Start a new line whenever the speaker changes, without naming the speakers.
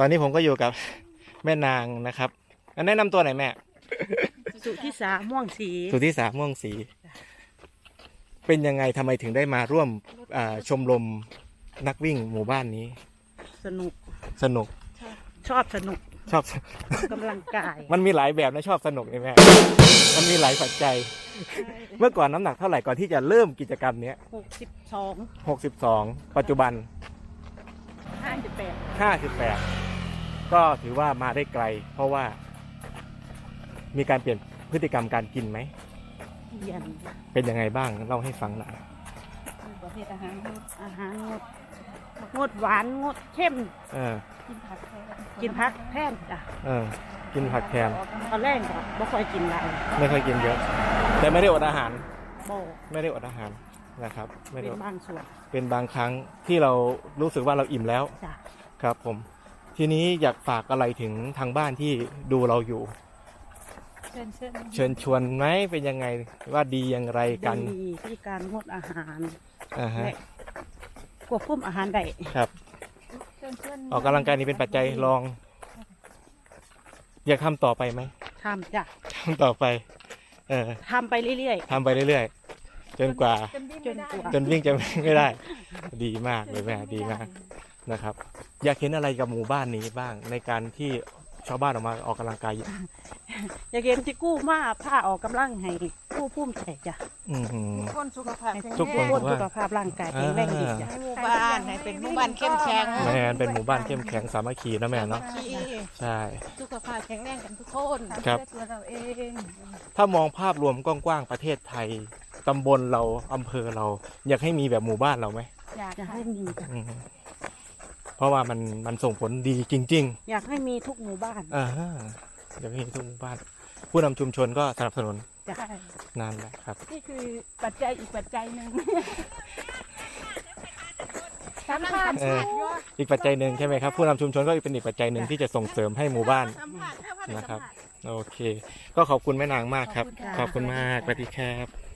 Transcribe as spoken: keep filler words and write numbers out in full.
อนนี้ผมก็อยู่กับแม่นางนะครับแนะนำตัวหน่อยแม่
สุธิสาม่วงสี
สุธิสาม่วงสีเป็นยังไงทำไมถึงได้มาร่วมชมรมนักวิ่งหมู่บ้านนี้
สนุก
สนุก
ชอบสนุก
ชอบ
กำลังกาย
มันมีหลายแบบนะชอบสนุกนี่แม่มันมีหลายปัจจัยเมื่อก่อนน้ำหนักเท่าไหร่ก่อนที่จะเริ่มกิจกรรมนี้
หกสิบสอง
หกสิบสองปัจจุบัน
ห้าสิบแปด
ห้าสิบแปดก็ถือว่ามาได้ไกลเพราะว่ามีการเปลี่ยนพฤติกรรมการกินไหม
เปลี่ยน
เป็นยังไงบ้างเล่าให้ฟังหน่อย
ประเภทอาหารอาหารงดงดหวานงดเข้ม
เออ
กินผักกินผักแทนจ้ะ
เออกินผักแทน
ตอนแรกก็ไม่ค่อยกินอะไร
ไม่ค่อยกินเยอะแต่ไม่ได้อดอาหาร
โบ
ไม่ได้อดอาหารนะครับไม่ได้
เป็นบางส่วน
เป็นบางครั้งที่เรารู้สึกว่าเราอิ่มแล้วครับผมทีนี้อยากฝากอะไรถึงทางบ้านที่ดูเราอยู่เชิญเชิญชวนไหมเป็นยังไงว่าดีอย่างไรกัน
ดีที่การงดอาหาร
อ่าฮะ
ควบคุมอาหารได้
ครับออกกำลังกายนี้เป็นปัจจัยรองอยากทำต่อไปไหม
ทำจ้ะ
ทำต่อไปเออ
ทำไปเรื่อย
ๆทำไปเรื่อยๆจนกว่า
จนกว่า
จนวิ่งจะไม่ได้ดีมากเลยแม่ดีมากนะครับอยากเห็นอะไรกับหมู่บ้านนี้บ้างในการที่ชาวบ้านออกมาออกกำลังกาย
อยากเห็นที่กู้มาผ้าออกกำลังให้กู้พุ่มใจจ้ะ
ทุกคนสุขภาพ
ทุกคนสุขภาพร่างกายแข็งแรงดีจ้ะ
ให้หมู่บ้านให้เป็นหมู่บ้านเข้มแข็ง
แม่เป็นหมู่บ้านเข้มแข็งสามัคคีนะแม่เนาะใช่
สุขภาพแข็งแรงกันทุกคน
ครับ
ตัวเราเอง
ถ้ามองภาพรวมกว้างๆประเทศไทยตำบลเราอำเภอเราอยากให้มีแบบหมู่บ้านเราไหม
อยากให้มีจ้ะ
เพราะว่ามันมันส่งผลดีจริง
ๆอยากให้มีทุกหมู่บ้าน
อ่าอยากให้มีทุกหมู่บ้านผู้นำชุมชนก็สนับสนุนนั่นแหละครับ
นี่คือปัจจัยอีกปัจจัยหนึ่งสำคัญ
อีกปัจจัยหนึ่งใช่ไหมครับผู้นำชุมชนก็เป็นอีกปัจจัยหนึ่งที่จะส่งเสริมให้หมู่บ้านนะครับโอเคก็ขอบคุณแม่นางมากครับขอบคุณมากสวัสดีครับ